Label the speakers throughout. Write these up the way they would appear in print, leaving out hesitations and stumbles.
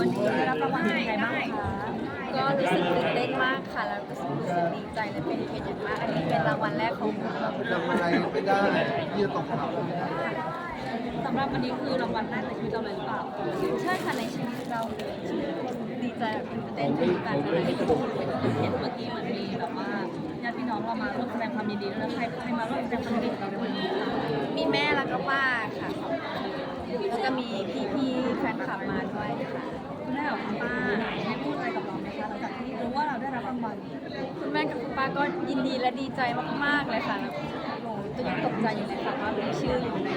Speaker 1: วันนี้ได้รับรางวัลเป็นยังไงบ้างคะ
Speaker 2: ก็รู้สึกตื่นเต้นมากค่ะแล้วก็รู้สึกดีใจและเป็นเกียรติอย่างมากอันนี้เป็นรางวัลแรกของหนู
Speaker 3: ทำอะไรไม่ได้ที่จะตกเขา
Speaker 1: สำหรับวันนี้คือรางวัลแรกในชีวิตเราเลยหรือเปล่า
Speaker 2: ใช่ค่ะในชีวิตเราเลยดีใจแบบตื่นเต้นถึงการอะไรที่ถูก
Speaker 1: เห็นเมื่อกี้เหมือนมีแบบว่าญาติพี่น้องเรามาร่วมแสดงความยินดีด้วยนะใครมาร่วมแสดงความยินดีกับเราในวันนี้คะ
Speaker 2: มีแม่แล้วก็ป้าค่ะแล้วก็มีพี่ๆแฟนคลับมาด้วยค่ะ
Speaker 1: คุณแม่กับคุณป้าได้พูดอะไรกับเราไหมคะหลังจากที่รู้ว่าเราได้รับรางวัล
Speaker 2: คุณแม่กับคุณป้าก็ยินดีและดีใจมากๆเลยค่ะหนูก็ยังตกใจอยู่เลยค่ะว่ามีชื่ออยู่ใน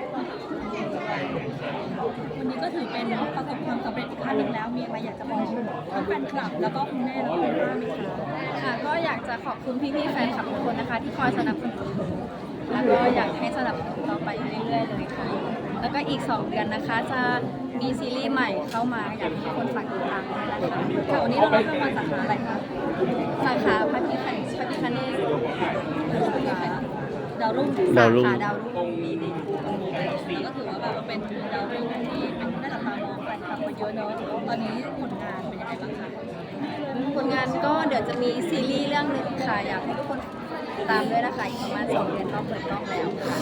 Speaker 1: วันนี้ก็ถือเป็นประสบความสำเร็จอีกขั้นหนึ่งแล้วมีอะไรอยากจะบอกทั้งแฟนคลับแล้วก็คุณแม่และคุณป้าไหมคะ
Speaker 2: ค่ะก็อยากจะขอบคุณพี่ๆแฟนคลับทุกคนนะคะ ที่คอยสนับสนุนหนูแล้วก็อยากให้สนับสนุนต่อไปเรื่อยๆเลยค่ะ แล้วก็อีก 2 เดือนนะคะ จะมีซีรีส์ใหม่เข้ามาอยากให้ทุกคนฝากติดตามด้วยนะคะ
Speaker 1: ค่ะวันนี้เรารับรางวัลสาขาอะไรคะ
Speaker 2: สาขาพระพิคเนศ
Speaker 1: ดาวรุ่ง
Speaker 2: สาขาดาวรุ่งมีใน
Speaker 1: ก็ถือว่าแบบเป็นดาวรุ่งที่เป็นที่น่าจับตามองแฟนคลับมาเยอะเนอะตอนนี้ผลงานเป็นยังไงบ้างคะ
Speaker 2: ผลงานก็เดี๋ยวจะมีซีรีส์เรื่องหนึ่งค่ะ อยากให้ทุกคนติดตามด้วยนะคะ อีกประมาณ 2 เดือนก็เปิดกล้องแล้วค่ะ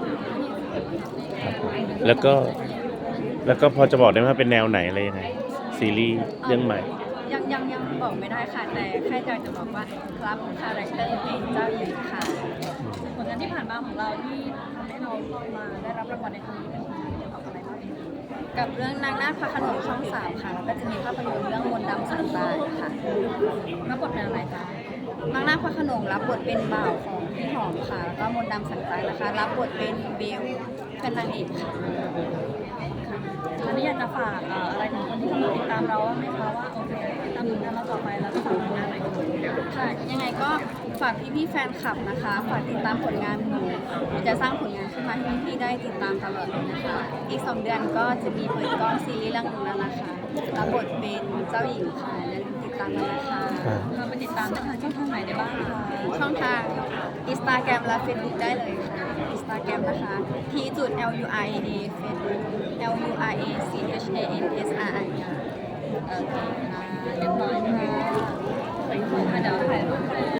Speaker 4: แล้วก็พอจะบอกได้ไหมว่าเป็นแนวไหนอะไรยังไงซีรีส์เรื่องใหม่
Speaker 2: ยังบอกไม่ได้ค่ะ แต่แค่อยากจะบอกว่ารับคาแรคเตอร์เป็นเจ้าหญิงค่ะ
Speaker 1: ผลงานที่ผ่านมาของเราที่ทำให้เรามาได้รับรางวัลในครั้งนี้เป็นเกี่ยวกับอะไรบ้าง
Speaker 2: กับเรื่องนางนาคพระโขนงช่อง 3 ค่ะ แล้วก็จะมีภาพยนตร์เรื่องมนต์ดำสันตายค่ะ
Speaker 1: รับบทเป็นอะไรคะ
Speaker 2: นางนาคพระโขนงรับบทเป็นบ่าวของพี่หอมค่ะ แล้วก็มนต์ดำสันตายนะคะ รับบทเป็นเบลเป็นนางเอกค่ะ
Speaker 1: อันนี้อยากจะฝากอะไรถึงคนที่กำลังติดตามเราบ้างไหมคะว่าโอเคติดตามผลงานเราต่อไปแล้วก็ฝากผลงานอะไรกันบ้าง
Speaker 2: ค่ะ ยังไงก็ฝากพี่ๆแฟนคลับนะคะ ฝากติดตามผลงานหนูจะสร้างผลงานขึ้นมาให้พี่ๆได้ติดตามตลอดเลยนะคะ อีก 2 เดือนก็จะมีเปิดกล้องซีรีส์เรื่องหนึงแล้วนะคะ รับบทเป็นเจ้าหญิงค่ะอย่าลืมติดตามกันนะคะ
Speaker 1: เราไปติดตามได้ทางช่องทางไหนได้บ้างคะ
Speaker 2: ช่องทาง Instagram และ Facebook ได้เลยค่ะ Instagram นะคะ t.luria Facebook LURACHANSRI ค่ะ
Speaker 1: โอเคค่ะเรียบร้อยค่ะเดี๋ยวถ่ายรูป